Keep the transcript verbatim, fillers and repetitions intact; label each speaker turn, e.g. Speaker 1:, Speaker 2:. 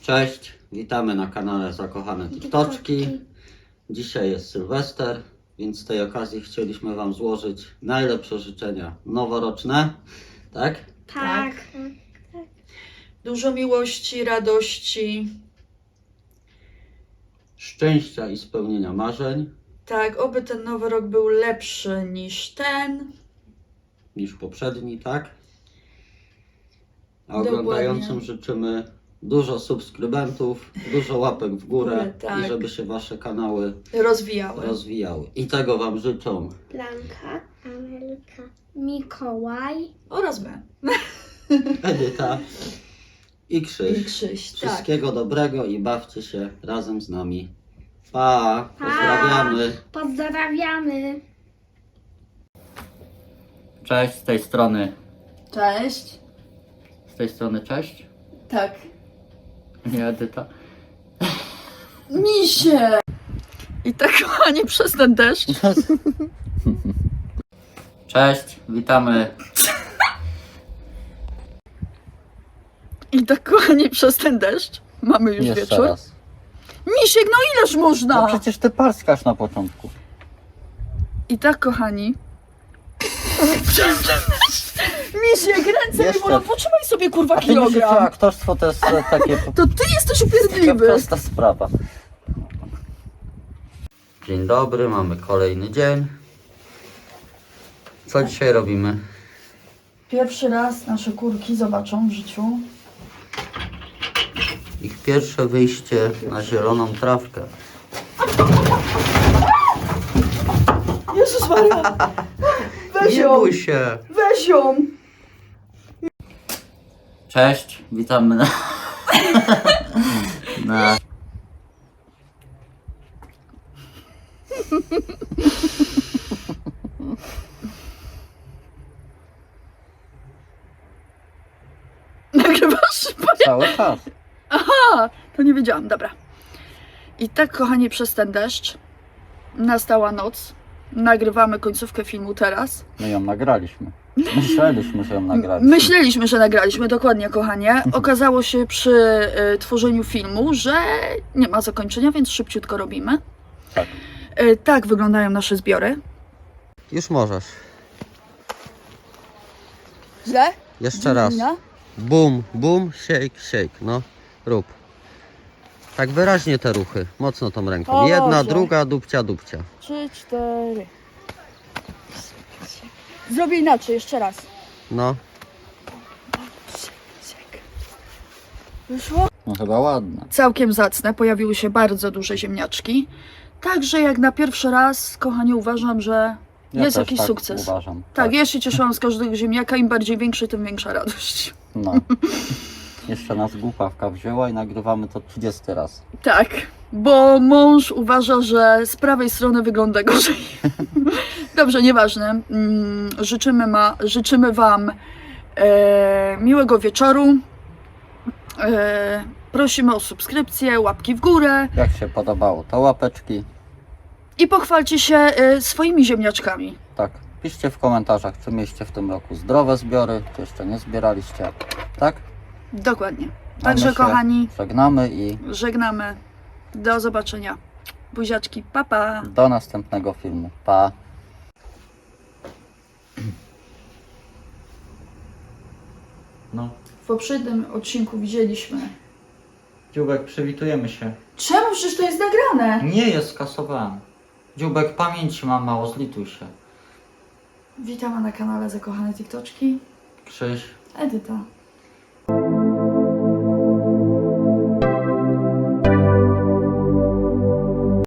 Speaker 1: Cześć, witamy na kanale Zakochane TikToczki. Dzisiaj jest Sylwester, więc z tej okazji chcieliśmy Wam złożyć najlepsze życzenia noworoczne, tak?
Speaker 2: Tak. tak. Dużo miłości, radości.
Speaker 1: Szczęścia i spełnienia marzeń.
Speaker 2: Tak, oby ten nowy rok był lepszy niż ten.
Speaker 1: Niż poprzedni, tak? A
Speaker 2: Dokładnie.
Speaker 1: oglądającym życzymy dużo subskrybentów, dużo łapek w górę
Speaker 2: Tak.
Speaker 1: i żeby się Wasze kanały
Speaker 2: Rozwijały.
Speaker 1: rozwijały. I tego Wam życzą
Speaker 3: Blanka, Amelka, Mikołaj
Speaker 2: Oraz my.
Speaker 1: Edyta i Krzyś.
Speaker 2: I Krzyś, tak.
Speaker 1: Wszystkiego dobrego i bawcie się razem z nami. Pa! Pozdrawiamy!
Speaker 3: Pozdrawiamy.
Speaker 1: Cześć, z tej strony.
Speaker 2: Cześć.
Speaker 1: Z tej strony cześć.
Speaker 2: Tak.
Speaker 1: Nie, Edyta.
Speaker 2: Misie! I tak, kochani, przez ten deszcz.
Speaker 1: Cześć, witamy.
Speaker 2: I tak, kochani, przez ten deszcz. Mamy już
Speaker 1: Jeszcze
Speaker 2: wieczór.
Speaker 1: raz.
Speaker 2: Misiek, no ileż można?
Speaker 1: No przecież ty parskasz na początku.
Speaker 2: I tak, kochani. Przez ten deszcz. Misiek, ręce mi
Speaker 1: Jeszcze.
Speaker 2: bolą. Potrzymaj sobie, kurwa,
Speaker 1: A ty myślisz, że
Speaker 2: kilogram.
Speaker 1: aktorstwo to jest e, takie
Speaker 2: To ty jesteś upierdliwy.
Speaker 1: prosta sprawa. Dzień dobry, mamy kolejny dzień. Co dzisiaj robimy?
Speaker 2: Pierwszy raz nasze kurki zobaczą w życiu.
Speaker 1: Ich pierwsze wyjście na zieloną trawkę.
Speaker 2: Jezus Maria! Weź
Speaker 1: Nie
Speaker 2: ją!
Speaker 1: bój się!
Speaker 2: Weź ją!
Speaker 1: Cześć, witamy na... na...
Speaker 2: Nagrywasz?
Speaker 1: Cały czas.
Speaker 2: Aha! To nie wiedziałam, dobra. I tak, kochani, przez ten deszcz nastała noc. Nagrywamy końcówkę filmu teraz.
Speaker 4: My ją nagraliśmy. Myśleliśmy, że ją nagraliśmy.
Speaker 2: Myśleliśmy, że nagraliśmy, dokładnie, kochanie. Okazało się przy y, tworzeniu filmu, że nie ma zakończenia, więc szybciutko robimy.
Speaker 4: Tak.
Speaker 2: Y, tak wyglądają nasze zbiory.
Speaker 1: Już możesz.
Speaker 2: Źle?
Speaker 1: Jeszcze raz. Bum, bum, shake, shake. No, rób. Tak wyraźnie te ruchy. Mocno tą ręką.
Speaker 2: O
Speaker 1: Jedna,
Speaker 2: Boże.
Speaker 1: druga, dupcia, dupcia.
Speaker 2: Trzy, cztery. Zrobię inaczej, jeszcze raz.
Speaker 1: No.
Speaker 2: Wyszło?
Speaker 4: No chyba ładne.
Speaker 2: Całkiem zacne, pojawiły się bardzo duże ziemniaczki. Także jak na pierwszy raz, kochanie, uważam, że
Speaker 4: Ja
Speaker 2: jest
Speaker 4: też
Speaker 2: jakiś
Speaker 4: tak
Speaker 2: sukces.
Speaker 4: Uważam.
Speaker 2: Tak, ja się cieszyłam z każdego ziemniaka, im bardziej większy, tym większa radość.
Speaker 4: No. Jeszcze nas głupawka wzięła i nagrywamy to trzydziesty raz.
Speaker 2: Tak, bo mąż uważa, że z prawej strony wygląda gorzej. Dobrze, nieważne. Mm, Życzymy, ma, życzymy Wam e, miłego wieczoru. E, prosimy o subskrypcję, łapki w górę
Speaker 4: Jak się podobało, to łapeczki.
Speaker 2: i pochwalcie się e, swoimi ziemniaczkami.
Speaker 4: Tak. Piszcie w komentarzach, czy mieliście w tym roku zdrowe zbiory, czy jeszcze nie zbieraliście. Tak?
Speaker 2: Dokładnie.
Speaker 4: A my
Speaker 2: Także,
Speaker 4: się
Speaker 2: kochani,
Speaker 4: Żegnamy i
Speaker 2: żegnamy. Do zobaczenia. Buziaczki, pa pa.
Speaker 4: do następnego filmu. Pa!
Speaker 1: No.
Speaker 2: W poprzednim odcinku widzieliśmy.
Speaker 1: Dziubek, przywitujemy się.
Speaker 2: Czemu? Przecież to jest nagrane.
Speaker 1: Nie jest, skasowałem. Dziubek, pamięci mam mało, zlituj się.
Speaker 2: Witamy na kanale Zakochane TikToczki.
Speaker 1: Krzyś.
Speaker 2: Edyta.